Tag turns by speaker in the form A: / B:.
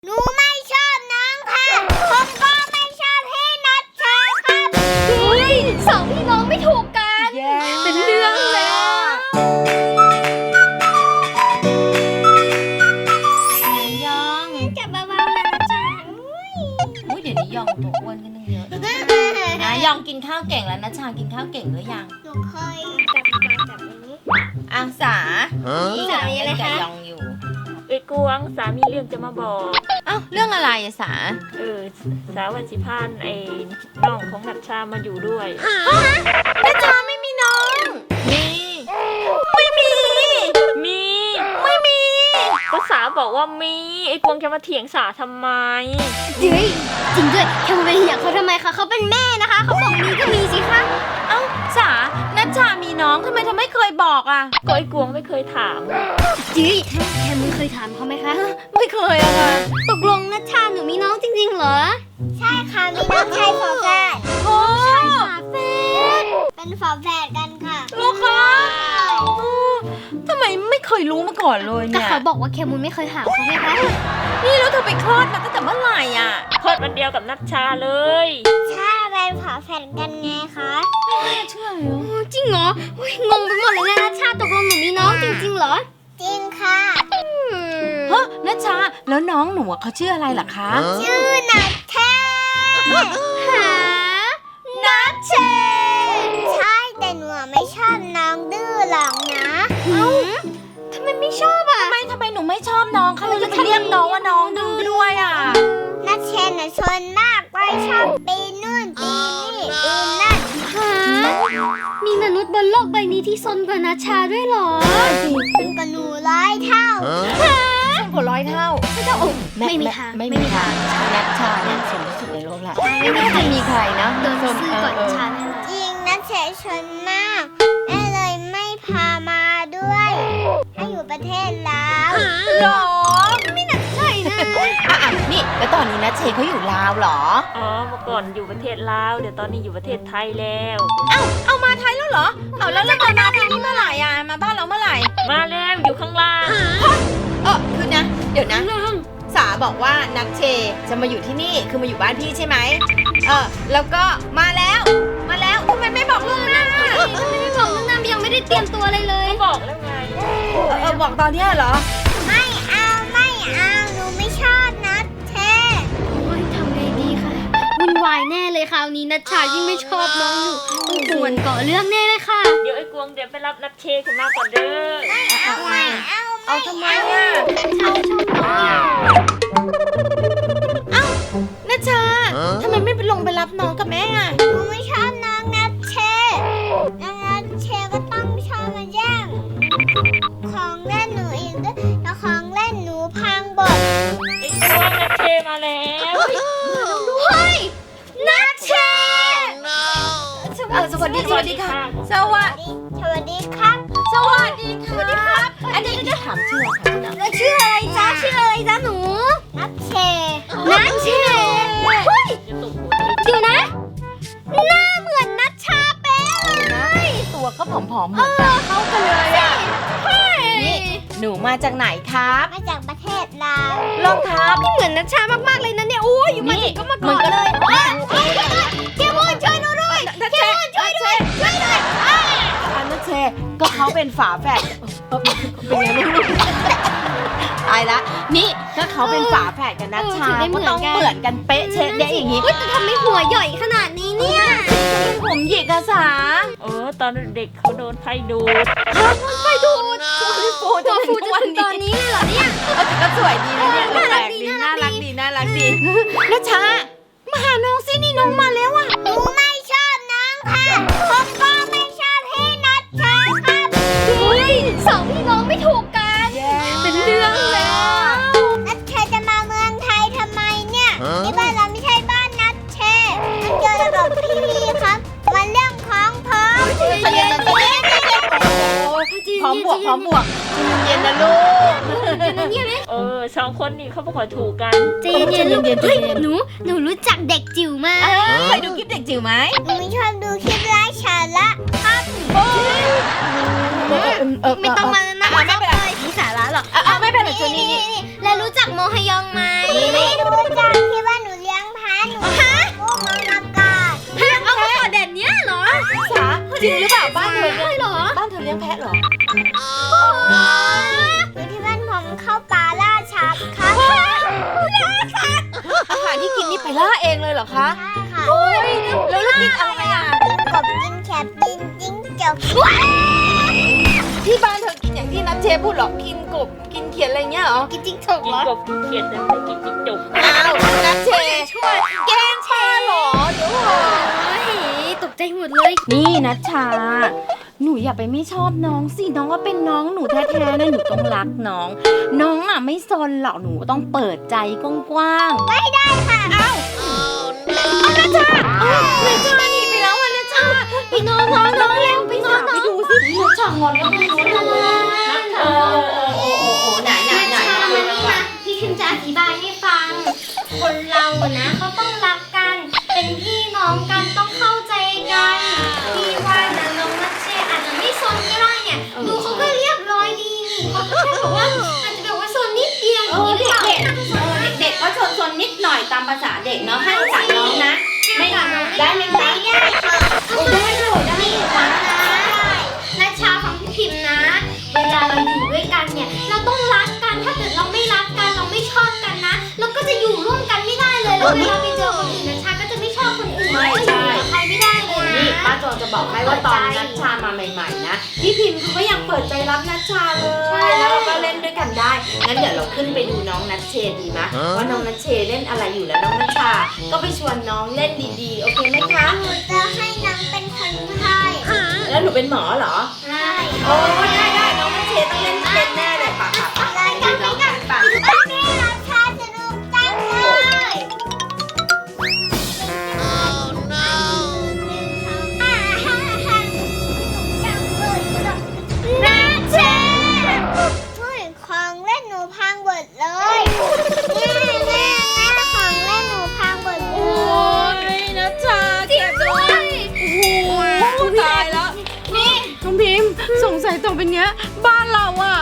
A: หนูไม่ชอบน้องค่ะผมก็ไม่ชอบพี่นัทชาครับเฮ้ยสองพี่น้องไม่ถูกกันเป็นเรื่องแล้ว
B: ยอง
A: จับเบาๆนะนัทชา
B: อุ้ยเดี๋ยวนี้ยองตัวอ้วนกันตั้งเยอะนะยองกินข้าวเก่งแล้วนะชากินข้าวเก่งหรือยัง
A: หนูเคยจับมาแบบนี้
B: อาสานี่กำลังเล่นกับยองอยู่
C: เอ้ยกวงสามีเรื่องจะมาบอก
B: เอ้าเรื่องอะไรอะสา
C: สาวันสิพานไอ้น้องของนัชชามาอยู่ด้วย
B: นัชชาไม่มีน้องมีไม่มี
C: ไม่มีก็สาบอกว่ามีไอ้กวงจะมาเถียงสาทำไม
A: เฮ้ยจริงด้วยแคมไปเถียงเขาทำไมคะเขาเป็นแม่นะคะเขาบอกมีก็มีสิคะ
B: เอ้าสานัชชามีน้องทำไมเธอไม่เคยบอกอะ
C: ก็ไอ้กวงไม่เคยถาม
A: จีแคมเคยถามเขาไหมคะ
B: ไม่เคยอะค่ะ
A: ตกลงนัชชาหนูมีน้องจริงๆเหรอใช่ค่ะมีน้องชายฝาแฝด
B: โอ้
A: ฝาแฝดเป็นฝาแฝดกันค่ะ
B: ลูกคะทำไมไม่เคยรู้มาก่อนเลย
A: ก็
B: เนี่ย
A: เขาบอกว่าแคมุนไม่เคยถามเขาไงคะ
B: นี่แล้วเธอไปคลอดมาตั้งแต่เมื่อไหร่อะ
C: คลอดวันเดียวกับนัชชาเลย
A: ใช่เป็นฝาแฝดกันไงคะ
B: เชื่อเหรอ
A: จริงเหรออุ๊ยงงไปหมดเลยนะนัชชาตกลงหนูมีน้องจริงๆเหรอจริงค่ะ
B: ฮะนัชชาแล้วน้องหนูอะเขาชื่ออะไรล่ะคะ
A: ชื่อนัทเทหานัทเชใช่แต่หนูไม่ชอบน้องดื้อหรอกนะทำไมไม่ชอบอ่ะ
B: ทำไมหนูไม่ชอบน้องเขาเลยจะเรียกน้องว่าน้องดื้อด้วยอ่ะ
A: นัทเชนน่ะชนมากไปชอบปีนู่นปีนี่ปีนั่นหามีมนุษย์บนโลกใบนี้ที่ซนกว่านัชชาด้วยเหรอเป็นกว่าหนู100 เท่าหา
B: ผล100 เท่า
A: ไม่มีทาง
B: ไม่มีทางนัชชาเนี่ยสูงที่สุดในโลกละไม่มีใครนะ
A: โดนซื้อก่อนฉันจริงนัทเชนชนมากแม่เลยไม่พามาด้วยให้อยู่ประเทศลาว
B: หรอไม่น่าใช่นะนี่แล้วตอนนี้นะเชเขาอยู่ลาวเหรอ
C: อ๋อเมื่อก่อนอยู่ประเทศลาวเดี๋ยวตอนนี้อยู่ประเทศไทยแล้ว
B: เอามาไทยแล้วเหรอเอาแล้วมาที่นี่เมื่อไหร่อ่ะมาบ้านเราเมื่อไหร่
C: มาแล้วอยู่ข้างล่าง
B: คือนะเดี๋ยวนะสาบอกว่านัทเชจะมาอยู่ที่นี่คือมาอยู่บ้านพี่ใช่ไหมแล้วก็มาแล้วทำไมไม่บอกล่วงหน้า
A: ไม่บอกน้องน้ำยังไม่ได้เตรียมตัวอะไรเลย
C: ก็บอกแล้วไง
B: บอกตอนเนี้ยเหรอ
A: ไม่เอาหนูไม่ชอบนัทเชโอ้ยทำไงดีคะวุ่นวายแน่เลยคราวนี้นัชชายิ่งไม่ชอบน้องอยู่ต้องควรก่อเรื่องแน่เลยค่ะ
C: เดี๋ยวไอ้กวงเดี๋ยวไปรับนัชเชขึ้นมาก่อนเด้อ
B: เอาทำไมอ่ะนัชชาทำไมไม่ไปลงไปรับน้องกับแม่อ่ะ
A: หนูไม่ชอบน้องนัทเชน้องนัทเชก็ต้องชอบมาแย่งของเล่นหนูอีกด้วยแล้วของเล่นหนูพังหมด
C: ไอ้กวงนัชเชมาแล้ว
A: เฮ้ยนัทเช
B: สวัสดีค่ะ
A: สวัสดีครับ
B: สวัสดีครับอันนี้จะถามชื่อค่ะ
A: แล้วชื่ออะไรจ๊ะหนูนัทเชเฮ้ย
C: จะตกหัว
A: เดี๋ยวนะหน้าเหมือนนัชชาเป๊ะเลย
B: ตัวก็ผอมๆเหมือนกันเข้ากันเลยอ่ะนี่หนูมาจากไหนครับ
A: มาจากประเทศลาว
B: รองเท้า
A: เหมือนนัชชามากๆเลยนะเนี่ยโอ้ยอยู่มาถึงก็มากอดเลยเกมอนช่วยหนูด้วย
B: นัชเชนัชเชก็เขาเป็นฝาแฝดเป็นไงไม่รู้ตายละนี่ก็เขาเป็นฝาแฝดกันนัชชาก็ต้องเหมือนกันเป๊ะเชะเดะอย่างนี้
A: แต่ทำไมหัวใหญ่ขนาดนี้เนี่ย
B: ผมหยิกอะสา
C: ตอนเด็กเขาโดนไฟดูด
B: ไฟดูดฟู
A: ตัวฟูจะถึงตอนนี้เลยเหรอเนี่ย
B: ก็สวยดีนะเนี่ย
A: น่ารัก
B: แปลก
A: ดี
B: น่ารักดีนัชชามาหาน้องสินี่น้องมาแล้วอะ
A: หนูไม่ชอบน้องค่ะผมก็ไม่ชอบพี่นัทชาครับเฮ้ยสองพี่น้องไม่ถูกกันเป็นเรื่องแล้วนัทเชจะมาเมืองไทยทำไมเนี่ยที่บ้านเราไม่ใช่บ้านนัทเชมันเจอกับพี่ครับมันเรื่องของผม
B: พร้อมบวกเย็นนะลูก
C: สองคนนี่เขาไม่ค่อยถูกกัน
A: ใจเย็นๆเฮ้ยหนูรู้จักเด็กจิ๋วมา
B: เคยดูคลิปเด็กจิ๋วไหม
A: หนูไม่ชอบดูคลิปไร้สาระครับไม่ต้องมานั่ง
B: ไม่เป็นไร
A: มีสาระหรอก
B: ไม่เป็นไรชวนนี่
A: แล้วรู้จักโมฮยองไหม
B: นี่อาหารที่กินนี่ไปล่าเองเลยเหรอคะ
A: ใช่ค่ะ
B: โอ้ยแล้วลูกกินอะไรอ่ะ
A: กินกบกินแคบกินจิ้งจก
B: ที่บ้านเธอกินอย่างที่นัทเชพูดเหรอกินกบกินเขียดอะไรเงี้ยเหรอ
A: กินจิ้งจก
C: กิ
A: เห
C: น
A: รอก
C: บกินเขียดแต่ไม่กินจิ้งจก
B: อ้าวนัทเชช่วยแกล้งป้าเหรอเดี๋ยวก่อน
A: ตกใจหมดเลย
B: นี่นัชชา หนูอย่าไปไม่ชอบน้องสิ น้องก็เป็นน้องหนูแท้ๆนะหนูต้องรักน้อง น้องอ่ะไม่ซนหรอกหนูต้องเปิดใจกว้างๆ
A: ไม่ได้ค่ะ
B: นัชชาหนีไปแล้วอ่ะนัชชาไปนอนน้องเร็วไปนอนไปดูสินัชชางอนแล้วไม่รู้เลยโอ้ไหน
A: นัชชามานี่นะพี่พิมจะอธิบายให้ฟัง คนเราอะนะเขาต้องรักกัน เป็นพี่น้องกันต้องเข้าใจกันพี่ว่านะน้องนัชเชอาจจะไม่ซนก็ได้เนี่ยดูเขาก็เรียบร้อยดีนี่เขาก็แค่แบบว่าอาจจะแบบว่าซนนิดเดียวอย่างนี้หรือเปล่า
B: เด็กก็ชนนิดหน่อยตามภาษาเด็กเนาะให้ภาษาน้องนะ ไม่ได้ไหมคะ
A: ไม่ได้ค่ะ
B: ได้เลยได้
A: นี่ฟังนะนัชชาฟังพี่พิมพ์นะ เวลาเราอยู่ด้วยกันเนี่ย เราต้องรักกัน ถ้าเกิดเราไม่รักกัน เราไม่ชอบกันนะ เราก็จะอยู่ร่วมกันไม่ได้เลย แล้วเวลาไปเจอคนอื่นนัชชาก็จะไม่ชอบคนอื่นจะอยู่กับใครไม่ได้เลย
B: นี่
A: นะ
B: ป้าจองจะบอกให้ว่าตอนนัชชามาใหม่ๆนะพี่พิมพ์เขาก็ยังเปิดใจรับนัชชาเลยแล้วเราก็เล่นด้วยกันได้งั้นเดี๋ยวเราขึ้นไปดูน้องนัชเชดีไหมว่าน้องนัชเชเล่นอะไรอยู่แล้วน้องนัชชาก็ไปชวนน้องเล่นดีๆโอเคไหมคะ
A: หนูจะให้น้องเป็นคนไข้
B: แล้วหนูเป็นหมอเหรอ
A: ใช่
B: โอ้ได้น้องนัชเชต้องเล่นเป็นแน่เลยป่ะ
A: แล้วก็ไม่กัน
B: ป่ะ
A: นี่นัชชาสนุกจังเลย นัชเชช่วยของเล่นหนูพังหมดเลยแม่ของเล่นหนูพังหมดเล
B: โอ้
A: ย
B: ยนัชชาเก็บด้วยโอ้โหตายแล้วนี่น้องพิมพ์สงสัยต่อไปเนี้ยบ้านเราอ่ะ